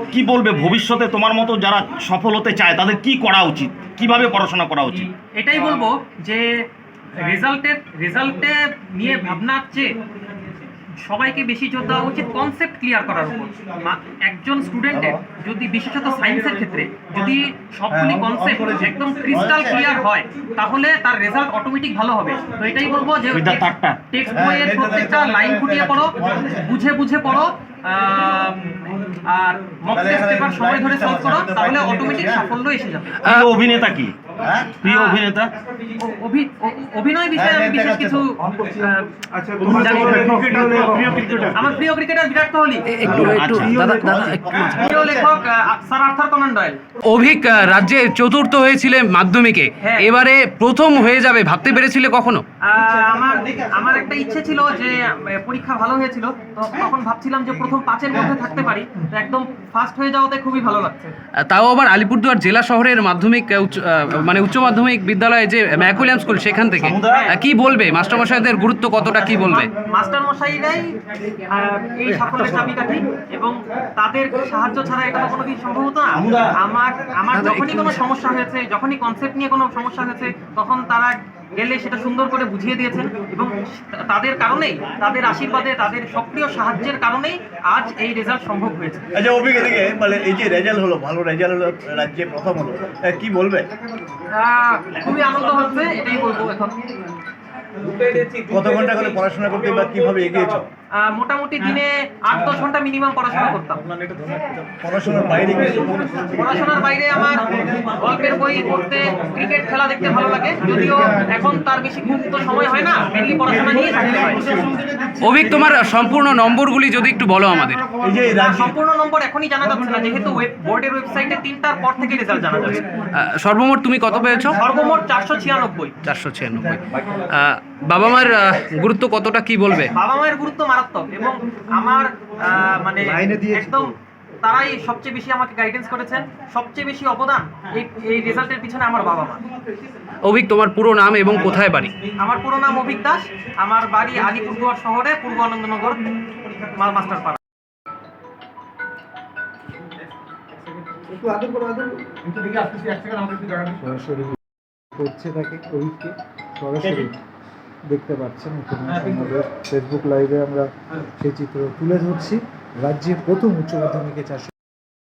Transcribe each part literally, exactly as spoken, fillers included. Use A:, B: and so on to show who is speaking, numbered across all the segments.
A: কি বলবে ভবিষ্যতে তোমার মতো যারা সফল হতে চায় তাদের কি করা উচিত, কিভাবে পড়াশোনা করা উচিত?
B: এটাই বলবো যে রেজাল্টের রেজাল্টে নিয়ে ভাবনার চেয়ে সবাইকে বেশি জোর দেওয়া উচিত কনসেপ্ট ক্লিয়ার করার উপর। একজন স্টুডেন্টের যদি বিশেষত সায়েন্সের ক্ষেত্রে যদি সবগুলি কনসেপ্ট একদম ক্রিস্টাল ক্লিয়ার হয় তাহলে তার রেজাল্ট অটোমেটিক ভালো হবে। তো এটাই বলবো যে টেক্সট বইয়ের প্রত্যেকটা লাইন ফুটিয়ে পড়ো, বুঝে বুঝে পড়ো, আর মক টেস্ট পেপার সময় ধরে সলভ করো, তাহলে অটোমেটিক সাফল্য এসে যাবে।
A: অভিনেতা কি প্রিয় অভিনেতা?
B: অভিনয় বিষয়ে আমি বিশেষ কিছু আমার প্রিয় ক্রিকেটার বিরাট কোহলি, প্রিয় লেখক sir Arthur Conan Doyle.
C: Abhik রাজ্যে চতুর্থ হয়েছিলে মাধ্যমিকে, এবারে প্রথম হয়ে যাবে ভাবতে পেরেছিলে কখনো?
B: আমার আমার একটা ইচ্ছে ছিল যে পরীক্ষা ভালো হয়েছিল, তো তখন ভাবছিলাম যে প্রথম পাঁচের মধ্যে থাকতে পারি, তো একদম ফার্স্ট হয়ে যাওয়াতে খুবই ভালো লাগছে।
C: তাও আবার আলিপুরদুয়ার জেলা শহরের মাধ্যমিক মানে উচ্চ মাধ্যমিক বিদ্যালয়ে যে ম্যাকুলিয়াম স্কুল, সেখান থেকে কি বলবে মাস্টারমশাইদের গুরুত্ব কতটা, কি বলবে?
B: মাস্টারমশাইরাই এই সাফল্যের চাবিকাঠি, এবং তাদের সাহায্য ছাড়া এটা তো কোনোদিন সম্ভব হতো না। আমার আমার যখনই কোনো সমস্যা হয়েছে, যখনই কনসেপ্ট নিয়ে কোনো সমস্যা হয়েছে, তখন তারা গেলে সেটা সুন্দর করে বুঝিয়ে দিয়েছেন, এবং তাদের কারণেই, তাদের আশীর্বাদে, তাদের সক্রিয় সাহায্যের কারণেই আজ এই রেজাল্ট সম্ভব হয়েছে।
D: আচ্ছা অভিজ্ঞতা থেকে মানে এই যে রেজাল্ট হলো, ভালো রেজাল্ট হলো, রাজ্যে প্রথম হলো, কি বলবে?
B: খুবই আনন্দ হচ্ছে, এটাই বলবো। এখন
D: কত ঘন্টা করে পড়াশোনা করতে বা কিভাবে এগিয়েছো?
B: মোটামুটি দিনে আট দশ ঘন্টা মিনিমাম পড়াশোনা করতাম।
D: পড়াশোনার বাইরে
B: পড়াশোনার বাইরে আমার গল্পের বই পড়তে, ক্রিকেট খেলা দেখতে ভালো লাগে, যদিও এখন তার বেশি খুব তো সময় হয় না, মেনলি পড়াশোনা নিয়ে থাকতে হয়।
C: অভিক, তোমার সম্পূর্ণ নম্বরগুলি যদি একটু বলো আমাদের।
D: এই যে
B: সম্পূর্ণ নম্বর এখনই জানা যাচ্ছে না, যেহেতু বোর্ডের ওয়েবসাইটে তিনটার পর থেকে রেজাল্ট জানা যাবে।
C: সর্বমোট তুমি কত পেয়েছো?
B: সর্বমোট চারশো ছিয়ানব্বই।
C: চারশো ছিয়ানব্বই। বাবা মার গুরুত্ব কতটা, কি বলবে?
B: বাবা মায়ের গুরুত্ব মারাত্মক, এবং আমার মানে একদম তারাই সবচেয়ে বেশি আমাকে গাইডেন্স করেছেন, সবচেয়ে বেশি অবদান এই এই রেজাল্টের পিছনে আমার বাবা মা।
C: অভিক, তোমার পুরো নাম এবং কোথায় বাড়ি?
B: আমার পুরো নাম অভিক দাস, আমার বাড়ি আলিপুরদুয়ার শহরে, পূর্ব আনন্দনগর, মাস্টারপাড়া।
E: সরাসরি করছে তাকে, অভিককে সরাসরি দেখতে পাচ্ছেন। আমাদের ফেসবুক লাইভে আমরা সেই চিত্র তুলে ধরছি। রাজ্যে প্রথম উচ্চ মাধ্যমিকে চারশো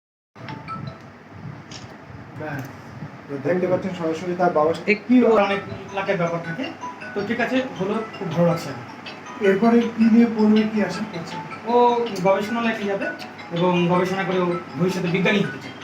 E: দেখতে পাচ্ছেন সরাসরি তার বাবা।
F: একটু অনেক লাখের ব্যাপার থাকে, তো ঠিক আছে, হলো খুব ভালো লাগছে।
E: এরপরে কি নিয়ে পড়বে, কি আশা করছেন?
F: ও গবেষণালয়ে যাবে এবং গবেষণা করে ভবিষ্যতে বিজ্ঞানী হতে চায়।